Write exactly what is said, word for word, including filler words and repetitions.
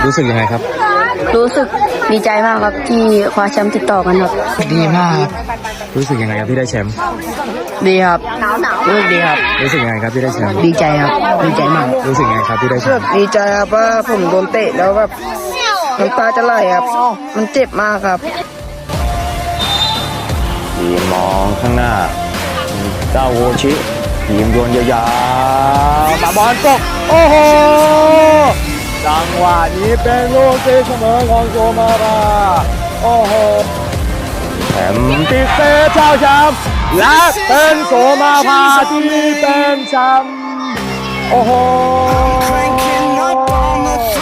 รู้สึกยังไงครับรู้สึกดีใจมากครับที่คว้าแชมป์ติดต่อกันครับดีมากครับรู้สึกยังไงครับที่ได้แชมป์ดีครับรู้สึกดีครับรู้สึกยังไงครับที่ได้แชมป์ดีใจครับดีใจมากรู้สึกยังไงครับที่ได้แชมป์ดีใจครับว่าผมโดนเตะแล้วแบบน้ำตาจะไหลครับมันเจ็บมากครับทีมมองข้างหน้าเจ้าโวชิทีมโยนยาวๆมาบอลตกโอ้โหจังหวะนี้เป็นลูกตีเสมอของโซมาราโอ้โหแชมป์ติดเตะเจ้าแชมป์และเป็นโสมาภาที่เป็นแชมป์โอ้โห